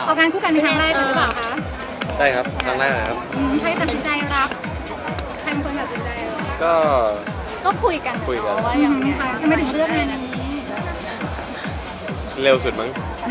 ออกงานคู่กันเป็นครั้งแรกหรือเปล่าคะใช่ครับครั้งแรกนะครับใครตัดสินใจรับใครเป็นคนตัดสินใจก็คุยกันว่าอย่างนี้ค่ะทำไมถึงเลือกงานนี้เร็วสุดมั้ง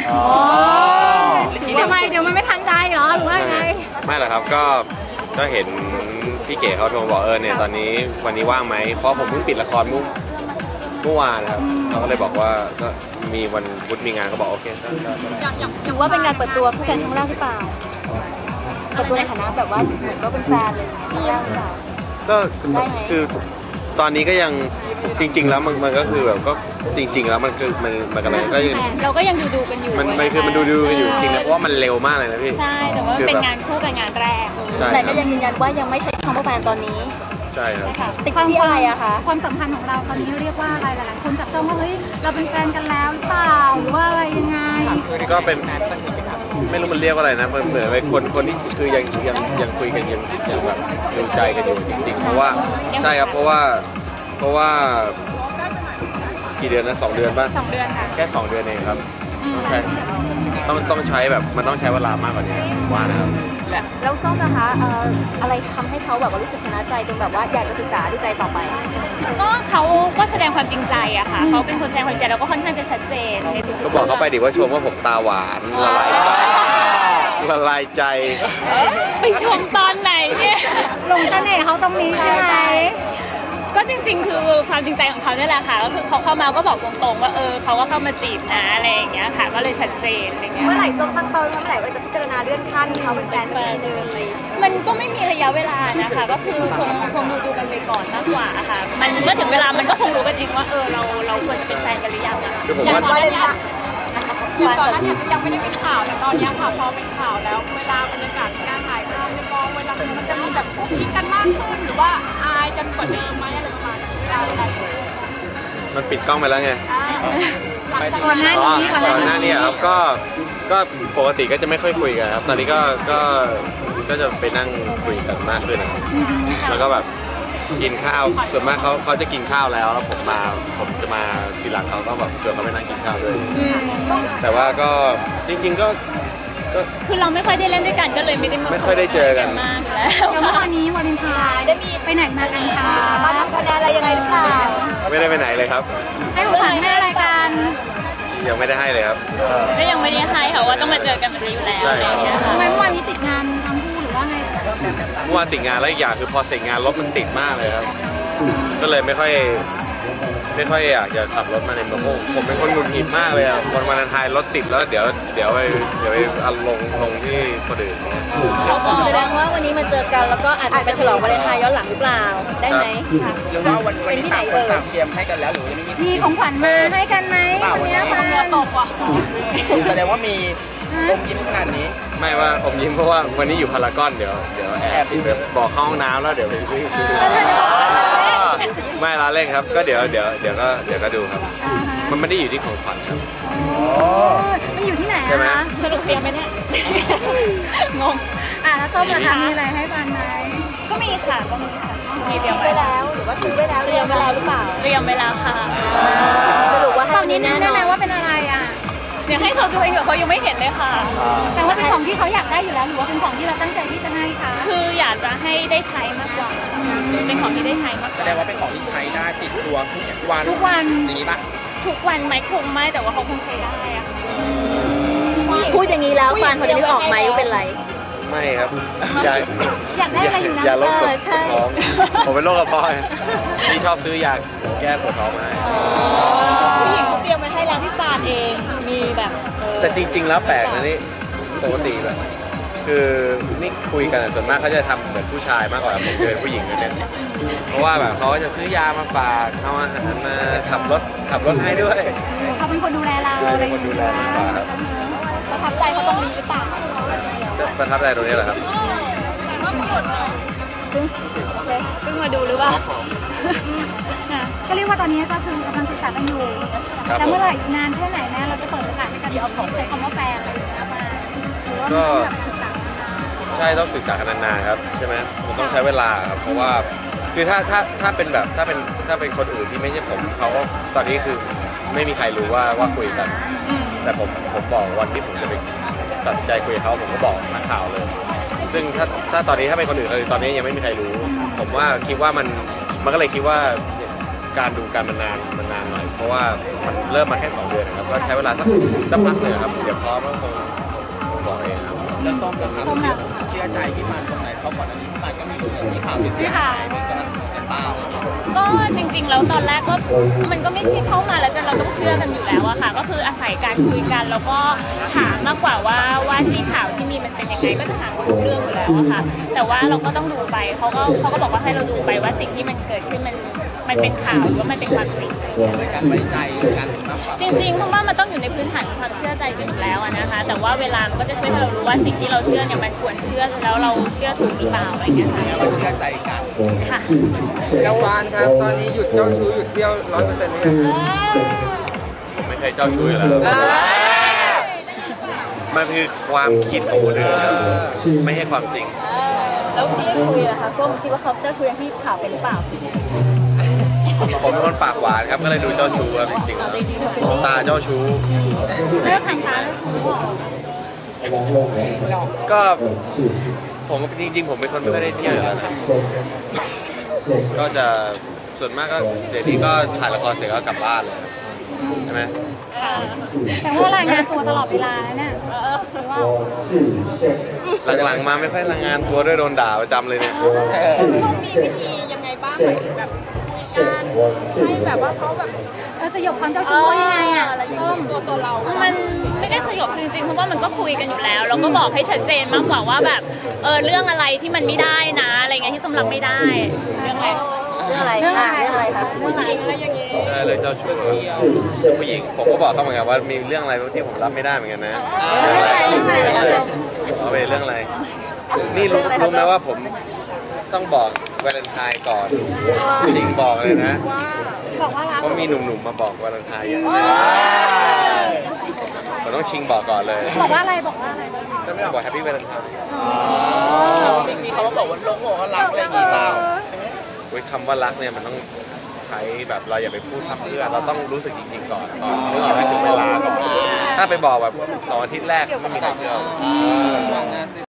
ทำไมเดี๋ยวมันไม่ทันใจเหรอหรือว่าไงไม่หรอกครับก็เห็นพี่เก๋เขาโทรบอกเนี่ยตอนนี้วันนี้ว่างไหมเพราะผมเพิ่งปิดละครเมื่อวานนะครับเขาก็เลยบอกว่าก็มีวันพุธมีงานก็บอกโอเคถือว่าเป็นงานเปิดตัวคู่กันครั้งแรกหรือเปล่าเปิดตัวในฐานะแบบว่าเหมือนก็เป็นแฟนเลยครั้งแรกหรือเปล่าก็คือตอนนี้ก็ยังจริงๆแล้วมันก็คือแบบก็จริงๆแล้วมันกันเลยก็ยังเราก็ยังดูกันอยู่มันคือมันดูกันอยู่จริงนะเพราะว่ามันเร็วมากเลยนะพี่ใช่แต่ว่าเป็นงานคู่กับงานแรกแต่ก็ยังยืนยันว่ายังไม่ใช่คำว่าแฟนตอนนี้ใช่ครับติดที่อะไรอะคะความสัมพันธ์ของเราตอนนี้เรียกว่าอะไรหลายๆคนจับจ้องว่าเฮ้ยเราเป็นแฟนกันแล้วหรือเปล่าหรือว่าอะไรยังไงก็เป็นไม่รู้มันเรียกว่าอะไรนะเหมือนเป็นคนที่คือยังคุยกันยังแบบดูใจกันอยู่จริงๆเพราะว่าใช่ครับเพราะว่ากี่เดือนนะ2 เดือนป่ะ 2 เดือนค่ะแค่2 เดือนเองครับต้องใช้แบบมันต้องใช้เวลามากกว่านี้ว่านะครับแล้วส้มนะคะอะไรทำให้เขาแบบว่ารู้สึกชนะใจจนแบบว่าอยากจะศึกษาดูใจต่อไปก็เขาก็แสดงความจริงใจอะค่ะเขาเป็นคนแสดงความจริงใจแล้วก็ค่อนข้างจะชัดเจนในทุกก็บอกเขาไปดิว่าชมว่าผมตาหวานละลายใจไปชมตอนไหนเนี่ยลงเสน่ห์เขาตรงนี้ใช่ไหมก็จริงๆคือความจริงใจของเขาเนี่ยแหละค่ะก็คือเขาเข้ามาก็บอกตรงๆว่าเขาก็เข้ามาจีบนะอะไรอย่างเงี้ยค่ะก็เลยชัดเจนอะไรเงี้ยเมื่อไหร่ส้มตั้งเป้าเมื่อไหร่ว่าจะพิจารณาเลื่อนขั้นเขาเป็นแฟนกันเดินเลยมันก็ไม่มีระยะเวลานะคะก็คือคงดูกันไปก่อนมากกว่าค่ะมันเมื่อถึงเวลามันก็คงรู้กันเองว่าเราควรจะเป็นแฟนกันหรือยังนะคะอย่างตอนนี้ก่อนหน้านี้ยังไม่ได้เป็นข่าวแต่ตอนนี้ค่ะพอเป็นข่าวแล้วเวลาบรรยากาศการถ่ายภาพในกองเวลามันจะมีแบบคุกคิดกันมากขึ้นหรือว่าอายกันกว่าเดิมไหมอะไรประมาณนี้มันปิดกล้องไปแล้วไงก่อนหน้านี้ครับก็ปกติก็จะไม่ค่อยคุยกันครับตอนนี้ก็จะไปนั่งคุยกันมากขึ้นแล้วก็แบบกินข้าวส่วนมากเขาจะกินข้าวแล้วผมจะมาทีหลังเขาก็แบบชวนเขาไปนั่งกินข้าวด้วยแต่ว่าก็จริงๆก็คือเราไม่ค่อยได้เล่นด้วยกันก็เลยไม่ค่อยได้เจอกันมากแล้วเมื่อวานนี้วาเลนไทน์ได้มีไปไหนมากันคะมาทำคะแนนอะไรยังไงหรือเปล่าไม่ได้ไปไหนเลยครับให้ของขวัญให้อะไรกันยังไม่ได้ให้เลยครับก็ยังไม่ได้ให้ค่ะว่าต้องมาเจอกันแบบนี้อยู่แล้วอะไรอย่างเงี้ยทำไมเมื่อวานนี้ติดงานทั้งคู่หรือว่าไงเมื่อวานติดงานแล้วอีกอย่างคือพอเสร็จงานรถมันติดมากเลยครับก็เลยไม่ค่อยอยากจะขับรถมาในเมืองผมเป็นคนหงุดหงิดมากเลยอ่ะวันวาเลนไทน์รถติดแล้วเดี๋ยวไปลงที่คนอื่นแสดงว่าวันนี้มาเจอกันแล้วก็อาจจะไปฉลองวาเลนไทน์ย้อนหลังหรือเปล่าได้ไหมหรือว่าวันนี้ต่างคนต่างเตรียมให้กันแล้วหรือยังไม่มีของขวัญมาให้กันไหมวันนี้ค่ะตกว่ะแสดงว่ามีอมยิ้มขนาดนี้ไม่ว่าอมยิ้มเพราะว่าวันนี้อยู่พารากอนเดี๋ยวแอบไปบอกเข้าห้องน้ำแล้วเดี๋ยวไปซื้อไม่ละเล่นครับก็เดี๋ยวก็ดูครับมันไม่ได้อยู่ที่ของขวัญครับมันอยู่ที่ไหนอะสรุปเตรียมไหมเนี่ยงงแล้วส้มล่ะคะมีอะไรให้กันไหมก็มีค่ะมีเตรียมไปแล้วหรือว่าซื้อไปแล้วเตรียมไปแล้วหรือเปล่าเตรียมไปแล้วค่ะสรุปว่าตอนนี้แน่ไหมว่าเป็นอะไรอ่ะเดี๋ยวให้เขาดูเองเขายังไม่เห็นเลยค่ะแต่ว่าเป็นของที่เขาอยากได้อยู่แล้วหรือว่าเป็นของที่เราตั้งใจที่จะให้คะคืออยากจะให้ได้ใช้มากกว่าเป็นของที่ได้ใช้มากกว่าแสดงว่าเป็นของที่ใช้ได้ติดตัวทุกวันอย่างนี้ปะทุกวันไหมคงไม่แต่ว่าเขาคงใช้ได้อะพูดอย่างนี้แล้วฟานเขาจะนึกออกไหมว่าเป็นไรไม่ครับอยากได้อะไรอยู่นะอย่าลดท้องผมเป็นโรคกระเพาะที่ชอบซื้อยาแก้ปวดท้องมาให้ผู้หญิงเขาเตรียมมาให้แล้วพี่ฟานเองมีแบบแต่จริงๆแล้วแปลกนะนี่ปกติแบบคือนี่คุยกันส่วนมากเขาจะทำเหมือนผู้ชายมากกว่าผมเป็นผู้หญิงเนี่ยเพราะว่าแบบเขาจะซื้อยามาฝากเอาอาหารมาขับรถให้ด้วยเขาเป็นคนดูแลเราเป็นคนดูแลมากกว่าครับประทับใจเขาตรงนี้หรือเปล่าประทับใจตรงนี้แหละครับเพิ่งมาดูหรือเปล่าก็เรียกว่าตอนนี้ก็คือกำลังศึกษากันอยู่แล้วเมื่อไหร่นานแค่ไหนแม่เราจะเปิดโอกาสในการใช้คำว่าแฟนอะไรอย่างเงี้ยมาก็ใช่ต้องศึกษากันนานๆครับใช่ไหมมันต้องใช้เวลาครับเพราะว่าคือถ้าเป็นแบบถ้าเป็นคนอื่นที่ไม่ใช่ผมเขาก็ตอนนี้คือไม่มีใครรู้ว่าคุยกันแต่ผมบอกวันที่ผมจะไปตัดสินใจคุยกับเขาผมก็บอกนักข่าวเลย ซึ่งถ้าตอนนี้ถ้าเป็นคนอื่นเลยตอนนี้ยังไม่มีใครรู้ ผมว่าคิดว่ามันก็เลยคิดว่าการดูกันมันนานหน่อย เพราะว่ามันเริ่มมาแค่2 เดือนนะครับก็ใช้เวลาสักพักหนึ่งครับเดี๋ยวพร้อมก็คงบอกเองครับแล้วส้มกับเขาเชื่อใจพี่มันตรงไหนเขาก่อนอันนี้พี่มันก็มีข่าวเป็นเสียหายเป็นกระเป๋าก็จริงๆแล้วตอนแรกก็มันก็ไม่ใช่เข้ามาแล้วเราต้องเชื่อกันอยู่แล้วอะค่ะก็คืออาศัยการคุยกันแล้วก็ถามมากกว่าว่าที่ข่าวที่มีมันเป็นยังไงก็จะถามทุกเรื่องอยู่แล้วอะค่ะแต่ว่าเราก็ต้องดูไปเขาก็บอกว่าให้เราดูไปว่าสิ่งที่มันเกิดขึ้นมันเป็นข่าวหรือว่ามันเป็นความจริงในการไว้ใจกันมากกว่าจริงๆเพราะว่ามันต้องอยู่ในพื้นฐานของความเชื่อใจกันอยู่แล้วอะนะคะแต่ว่าเวลามันก็จะช่วยให้เรารู้ว่าสิ่งที่เราเชื่อเนี่ยมันควรเชื่อแล้วเราเชื่อถูกหรือเปล่าอะไรอย่างเงี้ยค่ะเราเชื่อใจกันค่ะแล้ววานครับตอนนี้หยุดเจ้าชู้หยุดเที่ยว100%เลยงผมไม่เคยเจ้าชู้อยู่แล้วมันคือความคิดของคนอื่นครับไม่ใช่ความจริงแล้วที่คุยอะคะส้มคิดว่าเขาเจ้าชู้อย่างที่ข่าวเป็นหรือเปล่าผมเป็นคนปากหวานครับก็เลยดูเจ้าชู้ครับจริงจริงๆเขาเป็นๆตาเจ้าชู้เรื่องทางตาแล้วเขาบอกก็ผมจริงๆผมเป็นคนไม่ค่อยได้เที่ยวอยู่แล้วนะก็จะส่วนมากก็เดี๋ยวนี้ก็ถ่ายละครเสร็จก็กลับบ้านเลยใช่ไหมค่ะแต่ว่ารายงานตัวตลอดเวลาเนี่ยว่าหลังๆมาไม่ค่อยรายงานตัวด้วยโดนด่าประจำเลยเนี่ยต้องมีวิธียังไงบ้างหมายถึงแบบคุยกันให้แบบว่าเขาแบบสยบความเจ้าชู้ยังไงอ่ะอะไรอย่างเงี้ยตัวเรามันไม่ได้สยบจริงๆเพราะว่ามันก็คุยกันอยู่แล้วแล้วก็บอกให้ชัดเจนมากกว่าว่าแบบเรื่องอะไรที่มันไม่ได้นะอะไรเงี้ยที่สำหรับไม่ได้เรื่องอะไรเรื่องอะไรคะเรื่องอะไรอย่างเงี้ยใช่เลยเจ้าชู้ผู้หญิงผมก็บอกเขาเหมือนกันว่ามีเรื่องอะไรที่ผมรับไม่ได้เหมือนกันนะเอาไปเรื่องอะไรนี่รู้ไหมว่าผมต้องบอกวาเลนไทน์ก่อนจริงบอกเลยนะบอกว่ารักว่ามีหนุ่มๆมาบอกวาเลนไทน์อย่างผมต้องชิงบอกก่อนเลยบอกว่าอะไรบอกว่าอะไรจะไม่บอกแฮปปี้วาเลนไทน์มีเขามาบอกว่าลงบอกว่ารักอะไรอย่างงี้เปล่าคำว่ารักเนี่ยมันต้องใช้แบบเราอย่าไปพูดทำเพื่อเราต้องรู้สึกจริงๆก่อนนึกออกไหมถึงเวลาก่อนถ้าไปบอกแบบ2 อาทิตย์แรกไม่มีใครเชื่อ